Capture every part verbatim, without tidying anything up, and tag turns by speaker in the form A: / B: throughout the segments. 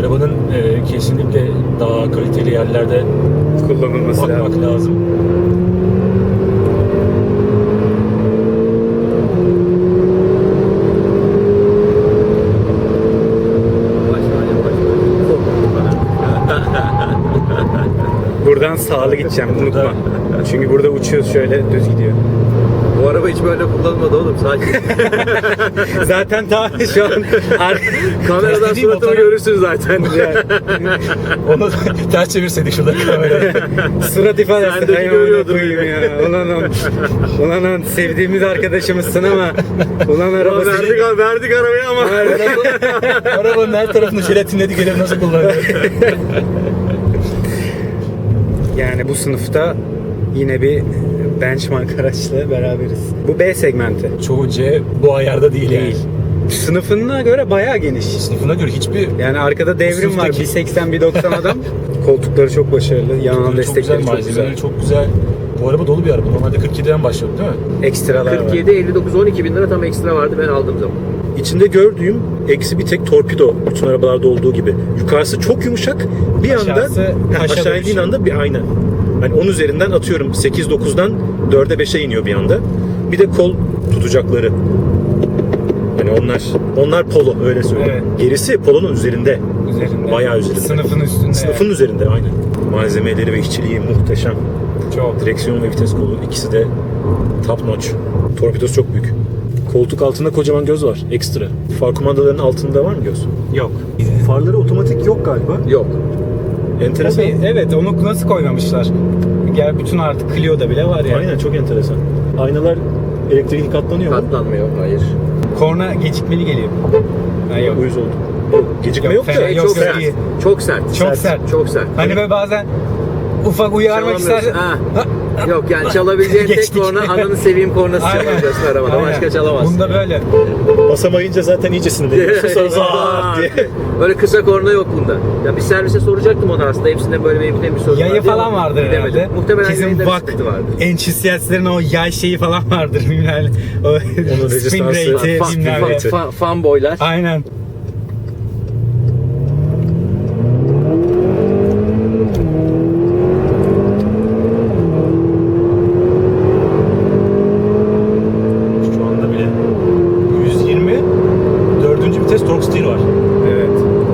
A: arabanın e, kesinlikle daha kaliteli yerlerde
B: kullanılması
A: bakmak
B: lazım.
A: lazım.
B: Buradan sağlı gideceğim, unutma. Çünkü burada uçuyoruz, şöyle düz gidiyor.
C: Bu araba hiç böyle kullanılmadı oğlum, sakin.
B: Zaten ta şu an
C: Kameradan
A: Değil mi?
C: suratımı
A: Motora-
C: görürsün zaten.
A: Onu ters çevirseydik şurada kamerayı.
B: surat ifadesi.
C: Sendeki
B: Hay amına
C: görüyordum
B: koyayım ya. Ulan on, ulan on, sevdiğimiz arkadaşımızsın ama ulan
C: Ulan
B: arabası.
C: verdik, verdik arabayı ama.
A: Arabanın her tarafını jelatinledik, elim nasıl kullanıyor?
B: Yani bu sınıfta yine bir benchmark araçla beraberiz. Bu B segmenti.
A: Çoğu C bu ayarda değil,
B: Değil.
A: yani.
B: Sınıfına göre bayağı geniş.
A: Sınıfına göre hiçbir
B: Yani arkada devrim var.
A: sınıftaki-
B: bir seksen bir doksan adam. Koltukları çok başarılı. Yanal
A: çok güzel,
B: destekleri çok
A: malzemeleri
B: güzel.
A: çok güzel. Bu araba dolu bir araba. Normalde kırk yediden başladı değil mi?
B: Ekstralar var.
C: kırk yedi, elli dokuz, on iki bin lira tam ekstra vardı ben aldığım zaman.
D: İçinde gördüğüm eksi bir tek torpido, bütün arabalarda olduğu gibi. Yukarısı çok yumuşak. Bir anda
B: Aşağısı
D: Heh,
B: taşa
D: aşağı indiğin
B: dönüşüyor.
D: anda bir ayna. Hani on üzerinden atıyorum sekiz dokuzdan dörde beşe iniyor bir anda. Bir de kol tutacakları. Hani onlar onlar polo, öyle söyleyeyim.
B: Evet.
D: Gerisi polonun üzerinde.
B: Üzerinde.
D: Bayağı üzerinde.
B: Sınıfın üstünde.
D: Sınıfın üzerinde aynen. Malzemeleri ve işçiliği muhteşem.
B: Çok.
D: Direksiyon ve vites kolu ikisi de top notch. Torpidosu çok büyük. Koltuk altında kocaman göz var ekstra. Far kumandalarının altında var mı göz?
B: Yok.
D: Farları otomatik yok galiba.
C: Yok.
D: Enteresan.
B: Tabii, evet, onu nasıl koymamışlar? Gel bütün artık Clio'da bile var yani.
D: Aynen, çok enteresan. Aynalar elektrikli katlanıyor mu?
C: Katlanmıyor, hayır.
B: Korna gecikmeli geliyor. Ha, yok.
D: Uyuz oldu. Yok, gecikme
B: Yok,
D: yok, da.
B: fena-
C: Şey,
B: yok,
C: çok
B: yok,
C: sert.
B: iyi.
C: Çok sert.
B: Çok sert.
C: Çok sert.
B: Hani böyle bazen ufak uyarmak
C: Çalamıyorsun.
B: istersen.
C: Ha. Yok yani çalabileceğin tek
B: Geçtik.
C: korna ananı seveyim kornası
B: Aynen.
C: çalabiliyorsun arabada.
B: Aynen.
C: Başka çalamazsın.
B: Bunda böyle.
D: Basamayınca zaten iyice sinirleniyorsun. Sonra zaaat diye.
C: Böyle kısa korna yok bunda. Ya bir servise soracaktım onu aslında. Hepsinde böyle benim bir sorun
B: Yayı
C: vardı
B: falan
C: ama
B: vardır
C: gidemedim.
B: herhalde.
C: Muhtemelen
B: Kesin
C: yayında bir
B: bak.
C: sıkıntı vardır.
B: Enthusiastlerin o yay şeyi falan vardır. Bilmem. O spin
D: rezistansı,
B: rate'i
C: Fan,
B: bilmem
C: fan,
B: ne.
C: fan, fanboylar.
B: Aynen.
A: Şu anda bile yüz yirmi dördüncü vites torque steer var.
B: Evet.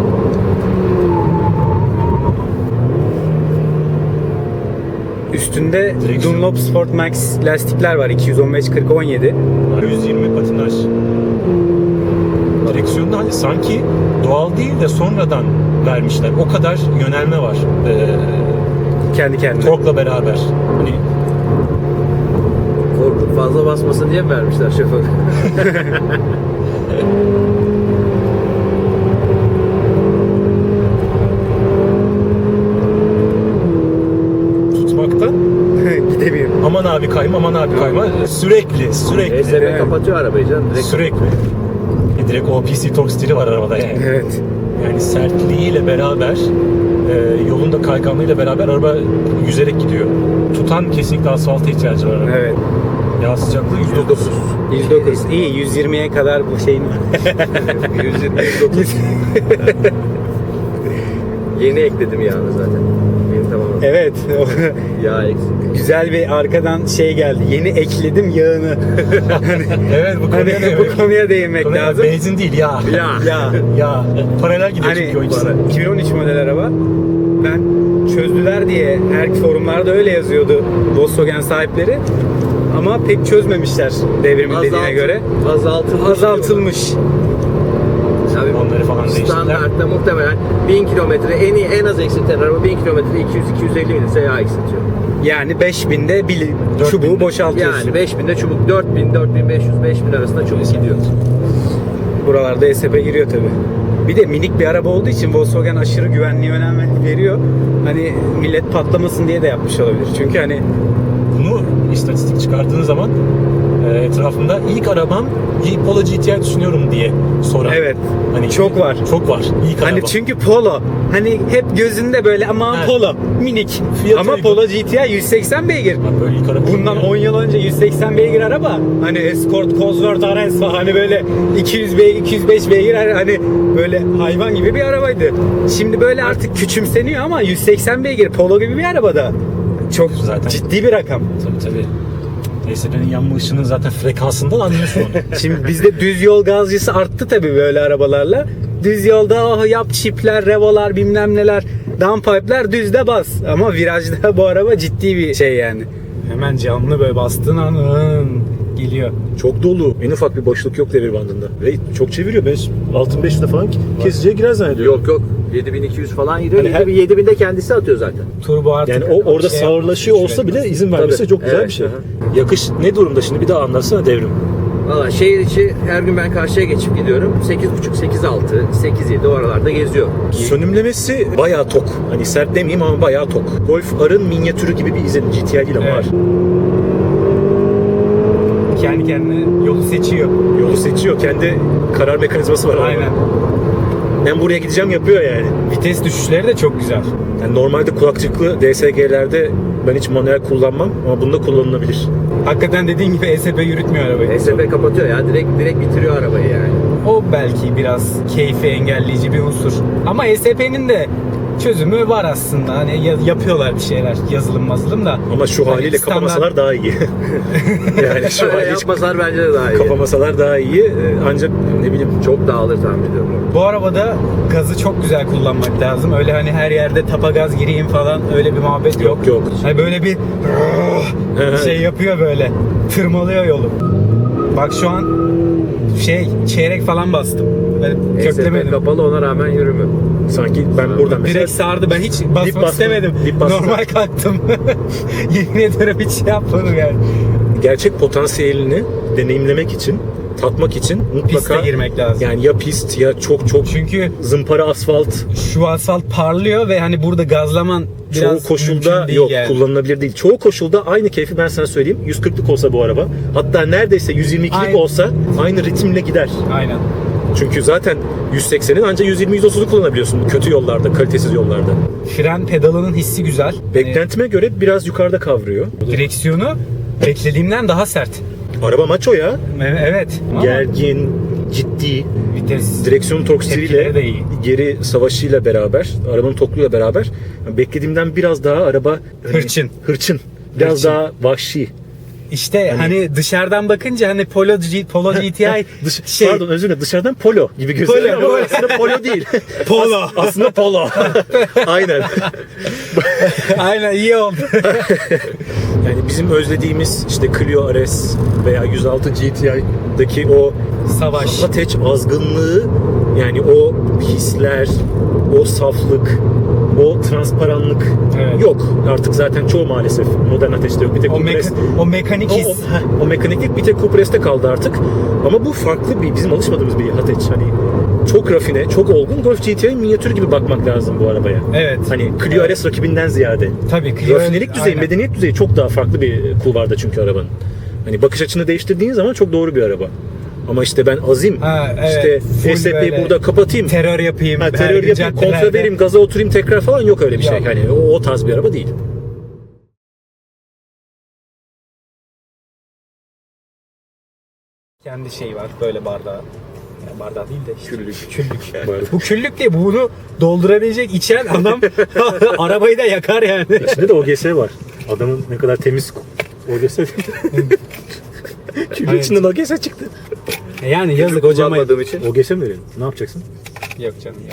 B: Üstünde
A: Direksiyon.
B: Dunlop Sport Max lastikler var. iki yüz on beş kırk on yedi.
A: yüz yirmi patinaj. Direksiyonda hani sanki doğal değil de sonradan vermişler. O kadar yönelme var. Ee,
B: Kendi kendine.
A: torkla beraber. Hani
C: Korkup fazla basmasın diye mi vermişler şoför?
A: tutmaktan
B: Gidemiyorum.
A: aman abi kayma, aman abi kayma. Sürekli, sürekli.
C: E S B
B: Evet.
C: kapatıyor arabayı canım. Direkt
A: Sürekli. E, direkt o P C torque steer'i var arabada yani.
B: Evet.
A: Yani sertliğiyle beraber, e, yolun da kayganlığıyla beraber araba yüzerek gidiyor. Tutan kesinlikle asfalta ihtiyacı var araba.
B: Evet.
A: Yağ sıcaklığı yüz dokuz.
B: yüz dokuz. İyi. yüz yirmiye kadar bu şeyin var.
C: yüz yirmi yüz otuz. Yeni ekledim yağını zaten. Yeni tamamladım.
B: Evet.
C: Yağ eksik.
B: Güzel bir arkadan şey geldi. Yeni ekledim yağını.
A: Evet, bu
B: Hani
A: konuya,
B: bu konuya değinmek
A: konuya
B: lazım.
A: benzin değil ya.
C: Yağ.
B: Ya.
A: Ya paralel gidiyor
B: Hani
A: çünkü o ikisi.
B: iki bin on üç model araba. Ben çözdüler diye her forumlarda öyle yazıyordu Volkswagen sahipleri. Ama pek çözmemişler devrimin dediğine
C: Azalt-
B: göre.
C: Azaltılmış.
B: Azaltılmış.
C: Tabii
A: Onları falan değiştirdiler.
C: standartta muhtemelen bin kilometre en iyi en az eksilten araba bin kilometre iki yüz iki yüz elli bin ise yağ eksiltiyor.
B: Yani beş binde bir
A: dört
B: çubuğu
A: binde.
B: boşaltıyorsun.
C: Yani beş binde çubuk dört bin dört bin beş yüz beş bin arasında çubuk gidiyor.
B: Buralarda E S P giriyor tabi. Bir de minik bir araba olduğu için Volkswagen aşırı güvenliğe önem veriyor. Hani millet patlamasın diye de yapmış olabilir. Çünkü hani
A: Bunu istatistik çıkarttığın zaman e, etrafında ilk arabam Polo G T I düşünüyorum diye soran.
B: Evet.
A: Hani
B: Çok var.
A: Çok var. İlk
B: Hani
A: araba.
B: çünkü Polo. Hani hep gözünde böyle aman
A: Evet.
B: Polo minik.
A: Fiyatı
B: Ama
A: uygun.
B: Polo G T I yüz seksen beygir.
A: Ha, böyle ilk araba.
B: Bundan on yıl önce yüz seksen beygir araba. Hani Escort, Cosworth, Ares falan hani böyle iki yüz beygir, iki yüz beş beygir hani böyle hayvan gibi bir arabaydı. Şimdi böyle artık küçümseniyor ama yüz seksen beygir Polo gibi bir arabada. Çok
A: Zaten-
B: ciddi bir rakam.
A: Tabii tabii. E S P'nin yanma ışığının zaten frekansından anlıyorsun onu.
B: Şimdi bizde düz yol gazcısı arttı tabii böyle arabalarla. Düz yolda oh, yap çipler, revolar bilmem neler, downpipe'ler düzde bas. Ama virajda bu araba ciddi bir şey yani. Hemen camlı böyle bastığın an ın, geliyor.
D: Çok dolu. En ufak bir boşluk yok devir bandında. Ve çok çeviriyor. Ben altı beşte falan kesiciye girer zannediyorum.
C: Yok yok. yedi bin iki yüz falan gidiyor.
D: Hani her-
C: yedi binde kendisi atıyor zaten.
B: Turbo artık.
D: Yani o orada
B: şey
D: sağırlaşıyor
B: yapmış,
D: olsa bile
B: şey
D: izin vermesi
C: Tabii.
D: çok güzel
C: Evet,
D: bir şey.
C: aha.
D: Yakış ne durumda şimdi? Bir daha anlatsana devrim.
C: Valla şehir içi her gün ben karşıya geçip gidiyorum. sekiz buçuk, sekiz altı, sekiz yedi o aralarda geziyor.
D: Sönümlemesi bayağı tok. Hani sert demeyeyim ama bayağı tok. Golf R'ın minyatürü gibi bir izlenim. G T I değil ama
B: Evet.
D: var.
B: Kendi kendine yolu seçiyor.
D: Yolu seçiyor. Kendi karar mekanizması var.
B: Aynen.
D: Ben buraya gideceğim yapıyor yani.
B: Vites düşüşleri de çok güzel.
D: Yani normalde kulakçıklı D S G'lerde ben hiç manuel kullanmam ama bunda kullanılabilir.
B: Hakikaten dediğin gibi E S P yürütmüyor arabayı.
C: E S P kapatıyor ya. Direkt direkt bitiriyor arabayı yani.
B: O belki biraz keyfi engelleyici bir unsur. Ama E S P'nin de çözümü var aslında. Hani ya- yapıyorlar bir şeyler. Yazılım mazılım da.
D: Ama şu
B: Hani
D: haliyle
B: standart-
D: kapamasalar daha iyi. yani şu
C: Öyle
D: haliyle hiç
C: yapmasalar bence de daha iyi.
D: kapamasalar daha iyi. Ee, Ancak ne bileyim
C: Çok dağılır tahmin ediyorum.
B: Bu arabada gazı çok güzel kullanmak lazım. Öyle hani her yerde tapa gaz gireyim falan öyle bir muhabbet yok.
D: yok yok.
B: Hani böyle bir şey yapıyor böyle. Tırmalıyor yolu. Bak şu an şey çeyrek falan bastım. Ben
C: E S P
B: köklemedim.
C: kapalı ona rağmen yürümüyor.
D: Sanki ben buradan mesela
B: Direkt sardı. Ben hiç basmak
D: bastım,
B: istemedim.
D: dip bastım.
B: Normal kalktım. Yemin ederim hiç şey yapmadım yani.
D: gerçek potansiyelini deneyimlemek için, tatmak için mutlaka
B: Piste girmek lazım.
D: yani ya pist ya çok çok
B: Çünkü
D: zımpara asfalt
B: şu asfalt parlıyor ve hani burada gazlaman biraz
D: çoğu
B: mümkün
D: koşulda
B: değil
D: yok
B: yani.
D: kullanılabilir değil. Çoğu koşulda aynı keyfi ben sana söyleyeyim. yüz kırklık olsa bu araba, hatta neredeyse yüz yirmi ikilik
B: Aynen.
D: olsa aynı ritimle gider.
B: Aynen.
D: Çünkü zaten yüz seksenin ancak yüz yirmi yüz otuzu kullanabiliyorsun kötü yollarda, kalitesiz yollarda.
B: Fren pedalının hissi güzel.
D: Beklentime göre biraz yukarıda kavruyor.
B: Hani direksiyonu beklediğimden daha sert.
D: Araba maço ya.
B: E- Evet. Ama
D: Gergin, ciddi.
B: vites
D: Direksiyon
B: Tepkileri
D: torksiriyle
B: de iyi.
D: geri savaşıyla beraber, arabanın tokluğuyla beraber beklediğimden biraz daha araba hani,
B: Hırçın.
D: Hırçın. Biraz
B: Hırçın.
D: daha vahşi.
B: İşte hani, dışarıdan bakınca hani Polo, G, Polo G T I
D: Dış,
B: şey
D: Pardon özür dilerim, dışarıdan polo gibi gözüküyor
B: Polo,
D: ama
B: polo.
D: aslında polo değil.
B: Polo.
D: As- aslında polo. Aynen.
B: aynen iyi oldu.
D: Yani bizim özlediğimiz işte Clio R S veya yüz altı G T I'daki o
B: Savaş.
D: ateş azgınlığı, yani o hisler, o saflık, o transparanlık
B: Evet.
D: yok. Artık zaten çoğu maalesef modern ateşte yok. Bir tek
B: O,
D: Cupra
B: meka-
D: S-
B: o mekanik
D: o,
B: his.
D: o, heh, o mekaniklik bir tek Cupra S'te kaldı artık. Ama bu farklı bir, bizim alışmadığımız bir ateş. Hani çok rafine, çok olgun Golf G T I minyatür gibi bakmak lazım bu arabaya.
B: Evet.
D: Hani Clio R S rakibinden ziyade.
B: Tabii Clio-
D: Rafinelik düzeyi,
B: aynen.
D: medeniyet düzeyi çok daha farklı bir kulvarda çünkü arabanın. Hani bakış açını değiştirdiğin zaman çok doğru bir araba. Ama işte ben azim,
B: Ha, evet.
D: işte
B: Full
D: E S P'yi
B: böyle
D: burada kapatayım,
B: Terör yapayım.
D: ha,
B: her
D: terör
B: gün
D: yapayım, kontra
B: caddelerde.
D: vereyim, gaza oturayım tekrar falan yok öyle bir şey.
B: Yok.
D: Hani o, o tarz bir araba değil.
B: Kendi şeyi var böyle bardağı. Yani bardağı değil de işte.
D: Küllük.
B: Küllük.
D: Bardak.
B: Bu küllük değil. Bunu doldurabilecek içen adam arabayı da yakar yani.
D: İçinde de O G S var. Adamın ne kadar temiz O G S. Küllük
B: Evet.
D: içinden O G S çıktı.
B: Yani yazık hocama.
C: Kullanmadığım için.
D: O G S mi verelim? Ne yapacaksın?
B: Yok canım yok.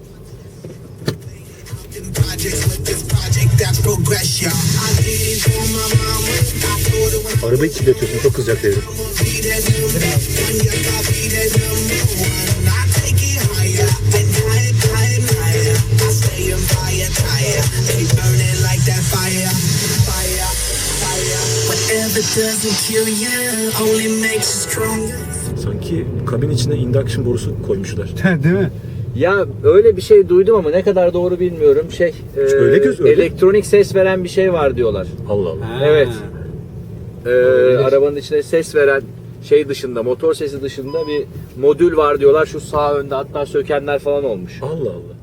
E: projects with this project that's progression. I did it for my mama. I told her when
D: Arabayı kirletiyorsun, çok kızacak devrim.
E: I be that number one, you got be that number one. I take it higher and higher, higher, higher. I stay on fire, tire. They burning like that fire, fire, fire. Whatever doesn't kill you only makes you stronger.
D: Sanki kabin içine induction borusu koymuşlar.
B: Değil mi?
C: Ya öyle bir şey duydum ama ne kadar doğru bilmiyorum. Şey, e,
D: Öyle göz- öyle.
C: elektronik ses veren bir şey var diyorlar.
D: Allah Allah.
C: Evet. e, arabanın içine ses veren şey dışında, motor sesi dışında bir modül var diyorlar. Şu sağ önde hatta sökenler falan olmuş.
D: Allah Allah.